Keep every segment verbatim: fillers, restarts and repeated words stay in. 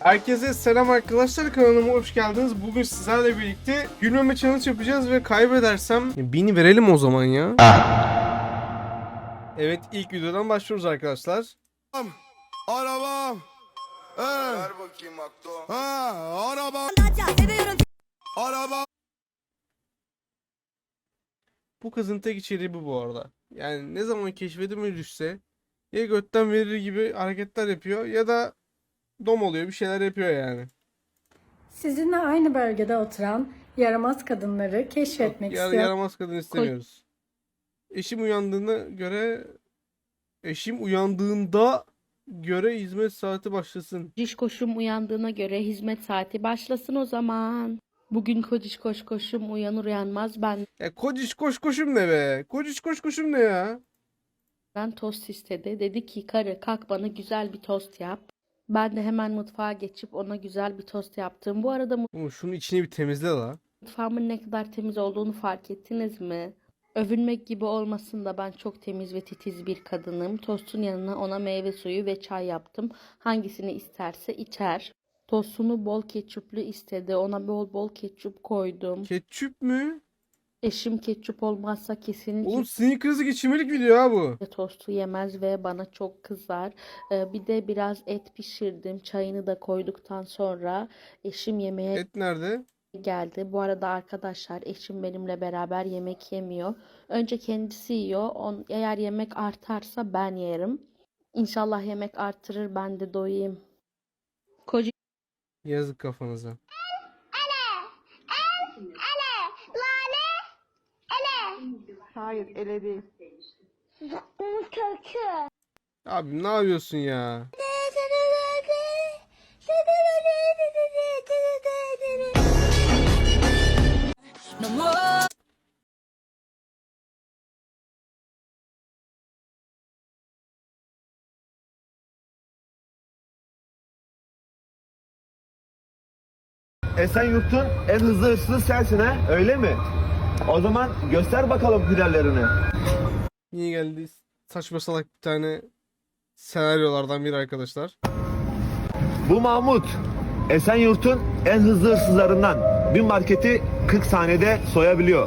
Herkese selam arkadaşlar, kanalıma hoş geldiniz. Bugün sizlerle birlikte gülmeme challenge yapacağız ve kaybedersem bini verelim o zaman ya. Evet, ilk videodan başlıyoruz arkadaşlar. Arabam. Ee. Ver bakayım Akto. Ha, araba. Araba. Bu kızın tek içeriği bu bu arada. Yani ne zaman keşfedime düşse ya götten verir gibi hareketler yapıyor ya da dom oluyor, bir şeyler yapıyor yani. Sizinle aynı bölgede oturan yaramaz kadınları keşfetmek Yar istiyorum. yaramaz kadın istemiyoruz. Eşim uyandığına göre eşim uyandığında göre hizmet saati başlasın. Kociş koşum uyandığına göre hizmet saati başlasın o zaman. Bugün kociş koş koşum uyanır uyanmaz Ya kociş koş koşum ne be? Kociş koş koşum ne ya? benden tost istedi. Dedi ki karı kalk bana güzel bir tost yap. Ben de hemen mutfağa geçip ona güzel bir tost yaptım. Bu arada Oğlum şunun içini bir temizle la. mutfağımın ne kadar temiz olduğunu fark ettiniz mi? Övünmek gibi olmasın da ben çok temiz ve titiz bir kadınım. Tostun yanına ona meyve suyu ve çay yaptım. Hangisini isterse içer. Tostunu bol ketçuplu istedi. Ona bol bol ketçup koydum. Ketçüp mü? Eşim ketçup olmazsa kesinlikle Oğlum sinir krizi geçirmelik video ha bu. tostu yemez ve bana çok kızar. Ee, bir de biraz et pişirdim. Çayını da koyduktan sonra eşim yemeğe Et nerede? geldi. Bu arada arkadaşlar eşim benimle beraber yemek yemiyor. Önce kendisi yiyor. On, eğer yemek artarsa ben yerim. İnşallah yemek artırır ben de doyayım. Koca Yazık kafanıza. Hayır, ele değil. Abi ne yapıyorsun ya? Esenyurt'un en hızlı hırsızı sensin ha, öyle mi? O zaman göster bakalım hünerlerini. Niye geldi? Saçma salak bir tane senaryolardan biri arkadaşlar. Bu Mahmut, Esenyurt'un en hızlı hırsızlarından. Bir marketi kırk saniyede soyabiliyor.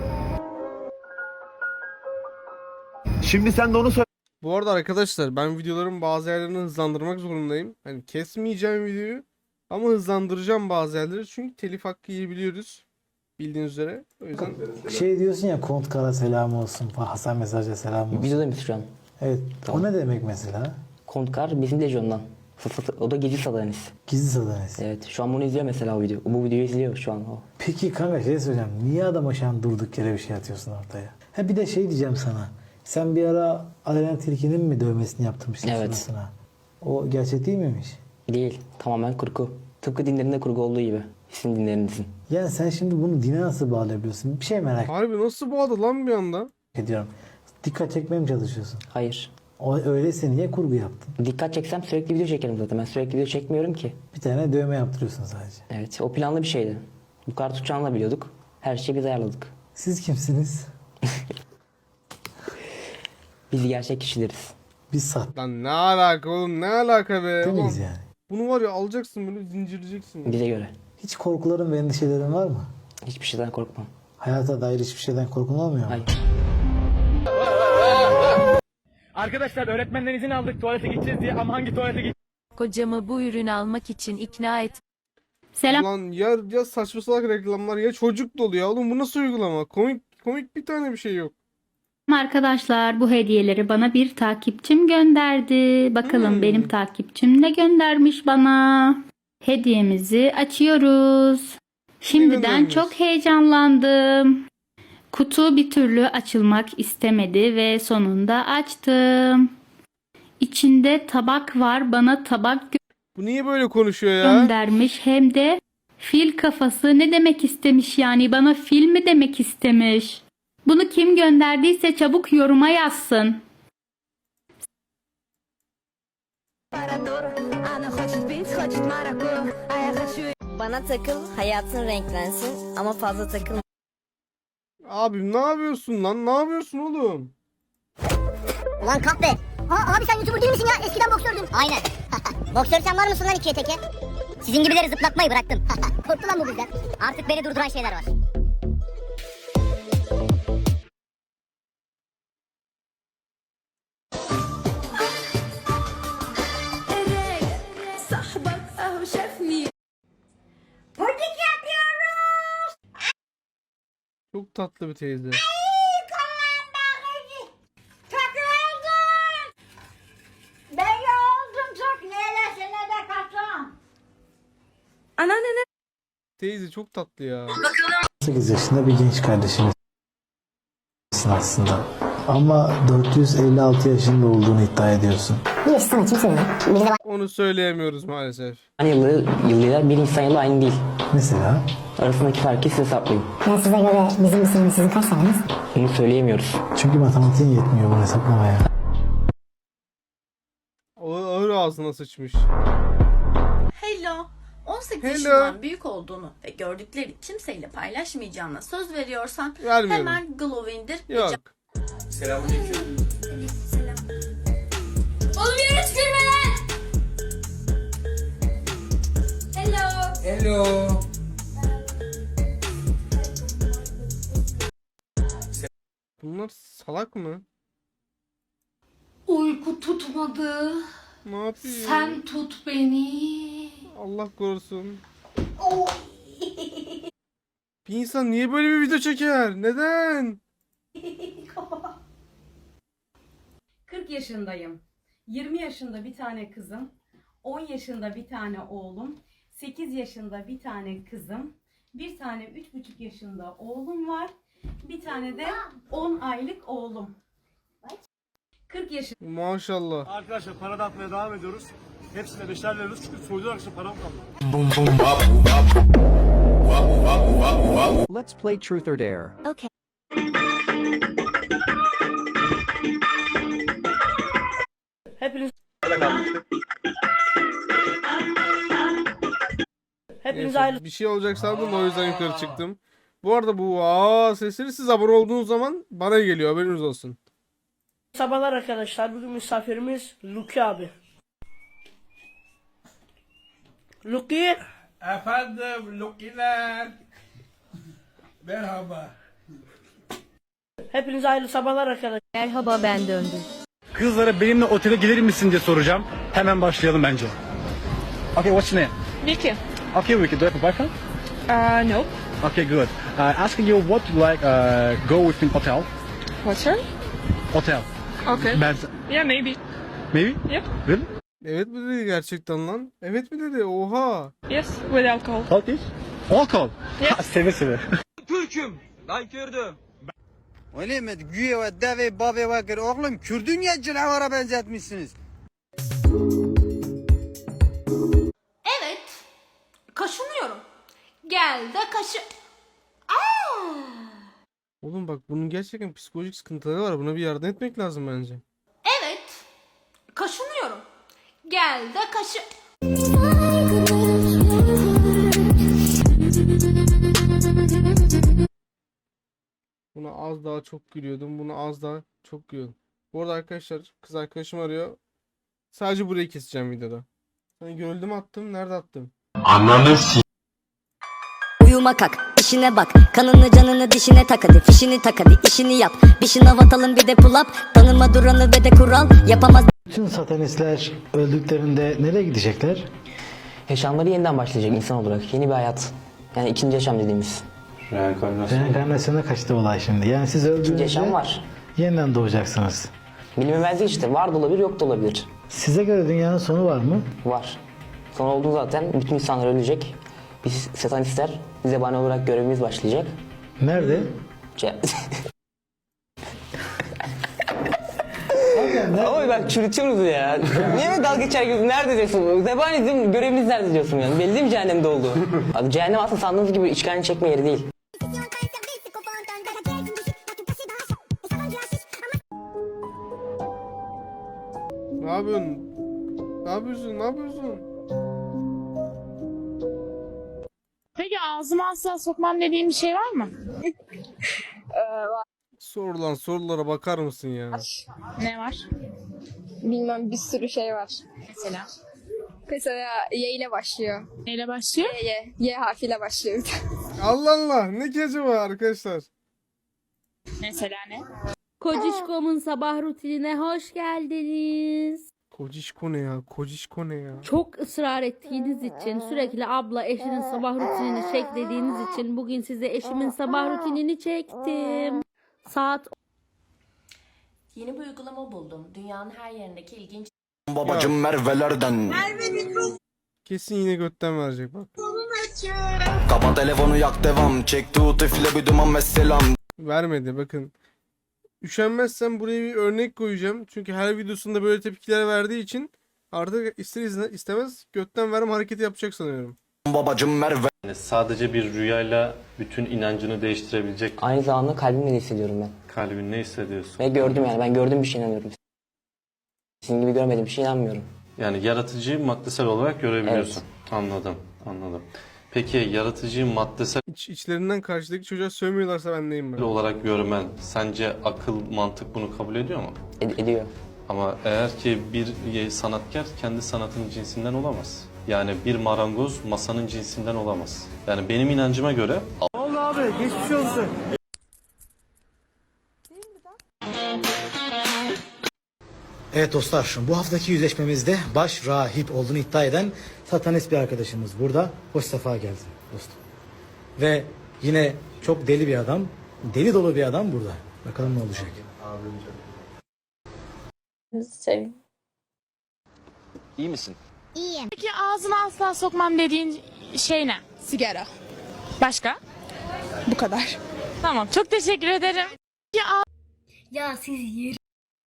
Şimdi sen de onu söyle. Bu arada arkadaşlar ben videoların bazı yerlerini hızlandırmak zorundayım. Hani kesmeyeceğim videoyu ama hızlandıracağım bazı yerleri çünkü telif hakkı yiyebiliyoruz. Bildiğiniz üzere. O yüzden Şey diyorsun ya, Kont Kara selam olsun, Hasan Mesaj'a selam olsun. Videoda mıyız şu an? Evet. Tamam. O ne demek mesela? Kontkar bizim Legion'dan. O da gizli satanist. Gizli satanist. Evet. Şu an bunu izliyor mesela o video. Bu videoyu izliyor şu an o. Peki kanka şey söyleyeceğim. Niye adama şu an durduk yere bir şey atıyorsun ortaya? Ha bir de şey diyeceğim sana. Sen bir ara Aleyna Tilki'nin mi dövmesini yaptırmıştın Evet. suratına? O gerçek değil miymiş? Değil. Tamamen kurgu. Tıpkı dinlerinde kurgu olduğu gibi. Sizin dinlerinizin. Yani sen şimdi bunu dine nasıl bağlayabiliyorsun? Bir şey merak harbi nasıl bağladı lan bir anda? ediyorum. Dikkat çekmeye mi çalışıyorsun? Hayır. O öyleyse niye kurgu yaptın? Dikkat çeksem sürekli video çekerim zaten. Ben sürekli video çekmiyorum ki. Bir tane dövme yaptırıyorsun sadece. Evet. O planlı bir şeydi. Bu kadar tutacağını da biliyorduk. Her şeyi biz ayarladık. Siz kimsiniz? Biz gerçek kişileriz. Biz sahte Lan ne alaka oğlum, ne alaka be? miyiz Ulan yani? bunu var ya alacaksın böyle zincirleyeceksin. ya. Bize göre. Hiç korkuların ve endişelerin var mı? Hiçbir şeyden korkmam. Hayata dair hiçbir şeyden korkun olmuyor mu? Hayır. Arkadaşlar öğretmenden izin aldık tuvalete gideceğiz diye ama hangi tuvalete gideceğiz? Kocamı bu ürünü almak için ikna et. Ulan ya, ya saçma salak reklamlar ya çocuk dolu ya. Oğlum bu nasıl uygulama? Komik komik bir tane bir şey yok. Arkadaşlar bu hediyeleri bana bir takipçim gönderdi. Bakalım Hmm. benim takipçim ne göndermiş bana. Hediyemizi açıyoruz. Şimdiden göndermiş? çok heyecanlandım. Kutu bir türlü açılmak istemedi ve sonunda açtım. İçinde tabak var. Bana tabak Bu niye böyle konuşuyor ya? göndermiş hem de fil kafası. Ne demek istemiş yani? Bana fil mi demek istemiş? Bunu kim gönderdiyse çabuk yoruma yazsın. Bana takıl, hayatın renklensin ama fazla takılma. Abim ne yapıyorsun lan? Ne yapıyorsun oğlum? Ulan kahpe. Aa, abi sen YouTuber değil misin ya? Eskiden boksördün. Aynen. Boksör sen var mısın lan ikiye teke? Sizin gibileri zıplatmayı bıraktım. Korktu lan bu bizden. Artık beni durduran şeyler var. Çok tatlı bir teyze. Teyze çok tatlı ya. sekiz yaşında bir genç kardeşimizsin aslında. Ama dört yüz elli altı yaşında olduğunu iddia ediyorsun. Bu yaşı sana kim söyledi? Bir de Onu söyleyemiyoruz maalesef. Hani yılı, yılıyla bir insan yılı aynı değil. Mesela Arasındaki farkı siz hesaplayın. ben size göre bizim misin sizin kaç taneniz? Bunu söyleyemiyoruz. çünkü matematiğin yetmiyor bunu hesaplamaya. O ağır ağzına sıçmış. Hello. on sekiz Hello. yaşından büyük olduğunu ve gördükleri kimseyle paylaşmayacağına söz veriyorsan Vermiyorum. hemen Glow'u indir. ve Yok. Oğlum yere tükürme lan! Hello. Hello. Bunlar salak mı? Uyku tutmadı. Ne yapıyor? Sen tut beni. Allah korusun. Bir insan niye böyle bir video çeker? Neden? kırk yaşındayım. yirmi yaşında bir tane kızım. on yaşında bir tane oğlum. sekiz yaşında bir tane kızım. Bir tane üç buçuk yaşında oğlum var. Bir tane de on aylık oğlum. kırk yaşında. Maşallah. Arkadaşlar para dağıtmaya devam ediyoruz. Hepsine beşer veriyoruz çünkü soyduğu akşam param kaldı. Let's play Truth or Dare. Okay. Hepiniz Hepiniz Neyse, ayrı bir şey olacak sandım o yüzden yukarı çıktım. Bu arada bu aa sesleri siz abone olduğunuz zaman bana geliyor, haberiniz olsun. sabahlar arkadaşlar. Bugün misafirimiz Luki abi. Luki. Efendim Lukiler. Merhaba. Hepiniz hayırlı sabahlar arkadaşlar. Merhaba, ben döndüm. Kızlara benimle otele gelir misin diye soracağım. Hemen başlayalım bence. Okay, what's your name? Vicky. Okay, Vicky, do you have a boyfriend? Uh, no. Okay, good. Uh, asking you what you like uh, go with in hotel? Hotel? Hotel. Okay. Ben... Yeah, maybe. Maybe? Yep. Really? Evet mi dedi gerçekten lan? Evet mi dedi? Oha. Yes, with alcohol. All this? Alcohol? Yes. Ha, seve seve. Öyle mi? Güye ve deve babe ve gır. Oğlum Kürdün ya canavar'a benzetmişsiniz. Evet. Kaşınıyorum. Gel de kaşı... Oğlum bak bunun gerçekten psikolojik sıkıntıları var. Buna bir yardım etmek lazım bence. Evet. Kaşınıyorum. Gel de kaşı... Buna az daha çok gülüyordum. Buna az daha çok gülüyordum. Bu arada arkadaşlar kız arkadaşım arıyor. Sadece burayı keseceğim videoda. Hani görüldü mü attım? Nerede attım? Uyuma kalk, işine bak. Kanını canını dişine tak hadi. Fişini tak hadi, işini yap. Bir şınav atalım bir de pull up. Tanıma duranı ve de kural. Yapamaz. Bütün satanistler öldüklerinde nereye gidecekler? Yaşamları yeniden başlayacak insan olarak. Yeni bir hayat. Yani ikinci yaşam dediğimiz. Reenkarnasyona kaçtı olay şimdi. Yani siz İkinci öldüğünüzde yaşam var. yeniden doğacaksınız. Bilinmemezlik işte. Var da olabilir, yok da olabilir. Size göre dünyanın sonu var mı? Var. Son olduğu zaten bütün insanlar ölecek. Biz satanistler zebani olarak görevimiz başlayacak. Nerede? Ce- Ama bak çürütüyorsunuz ya. Niye mi dalga geçer gibi? Nerede diyorsun? Zebani bizim görevimiz nerede diyorsun yani? Belli değil mi cehennemde olduğu? Abi cehennem aslında sandığınız gibi işgalini çekme yeri değil. Ne yapıyorsun? Ne yapıyorsun? Ne yapıyorsun? Peki ağzıma asla sokmam dediğim bir şey var mı? Sorulan sorulara bakar mısın ya? Ne var? Bilmem bir sürü şey var. Mesela. Mesela Y ile başlıyor. Neyle başlıyor? Y, Y. Y harfiyle başlıyor. Allah Allah, ne ki acaba arkadaşlar? Mesela ne? Kocişkom'un sabah rutinine hoş geldiniz. Kocişko ne ya? Kocişko ne ya? Çok ısrar ettiğiniz için, sürekli abla eşinin sabah rutinini çek dediğiniz için bugün size eşimin sabah rutinini çektim. Saat Yeni bir uygulama buldum. Dünyanın her yerindeki ilginç Babacım Merve'lerden. Kesin yine götten verecek bak. Kapa telefonu yak devam. Çek tut üfle bir duman ve selam. Vermedi bakın. Üşenmezsem buraya bir örnek koyacağım. Çünkü her videosunda böyle tepkiler verdiği için artık ister izne- istemez götten verme hareketi yapacak sanıyorum. Babacım Merve. Yani sadece bir rüyayla bütün inancını değiştirebilecek Aynı zamanda kalbimle de hissediyorum ben. kalbin ne hissediyorsun? Ve gördüm yani ben gördüğüm bir şey inanıyorum. Sizin gibi görmediğim bir şey inanmıyorum. Yani yaratıcıyı maddesel olarak görebiliyorsun. Anladım, anladım. Peki yaratıcıyı maddesel İç, içlerinden karşıdaki çocuğa sövmüyorlarsa ben neyim ben? olarak görmen sence akıl, mantık bunu kabul ediyor mu? Ed- ediyor. Ama eğer ki bir sanatkar kendi sanatının cinsinden olamaz. Yani bir marangoz masanın cinsinden olamaz. Yani benim inancıma göre Oldu abi geçmiş olsun. Evet dostlar, bu haftaki yüzleşmemizde baş rahip olduğunu iddia eden satanist bir arkadaşımız burada. Hoş sefa geldin dostum. Ve yine çok deli bir adam, deli dolu bir adam burada. Bakalım ne olacak. Sevim. İyi misin? Peki ağzına asla sokmam dediğin şey ne? Sigara. Başka? Bu kadar. Tamam, çok teşekkür ederim. Ya Ya siz yer.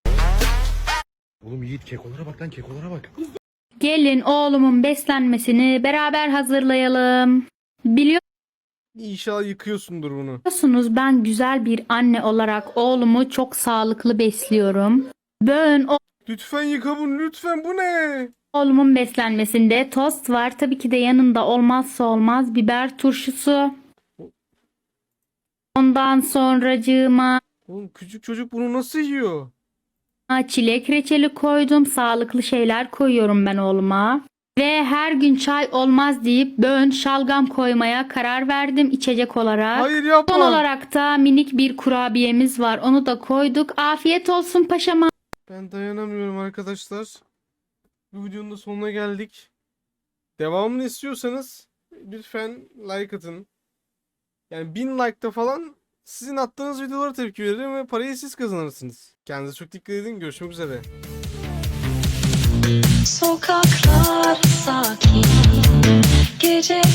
Oğlum Yiğit kekolara bak lan kekolara bak. gelin oğlumun beslenmesini beraber hazırlayalım. İnşallah yıkıyorsundur bunu. Biliyorsunuz ben güzel bir anne olarak oğlumu çok sağlıklı besliyorum. Böğün Lütfen yıka bunu, lütfen, bu ne? oğlumun beslenmesinde tost var. Tabii ki de yanında olmazsa olmaz biber turşusu. Ondan sonracığıma Oğlum küçük çocuk bunu nasıl yiyor? çilek reçeli koydum. Sağlıklı şeyler koyuyorum ben oğluma. Ve her gün çay olmaz deyip böğün şalgam koymaya karar verdim içecek olarak. Hayır yapma. Son olarak da minik bir kurabiyemiz var. Onu da koyduk. Afiyet olsun paşama. Ben dayanamıyorum arkadaşlar. Bu videonun da sonuna geldik. Devamını istiyorsanız lütfen like atın. Yani bin like'ta falan sizin attığınız videolara tepki veririm ve parayı siz kazanırsınız. Kendinize çok dikkat edin. Görüşmek üzere. Sokaklar sakin, gece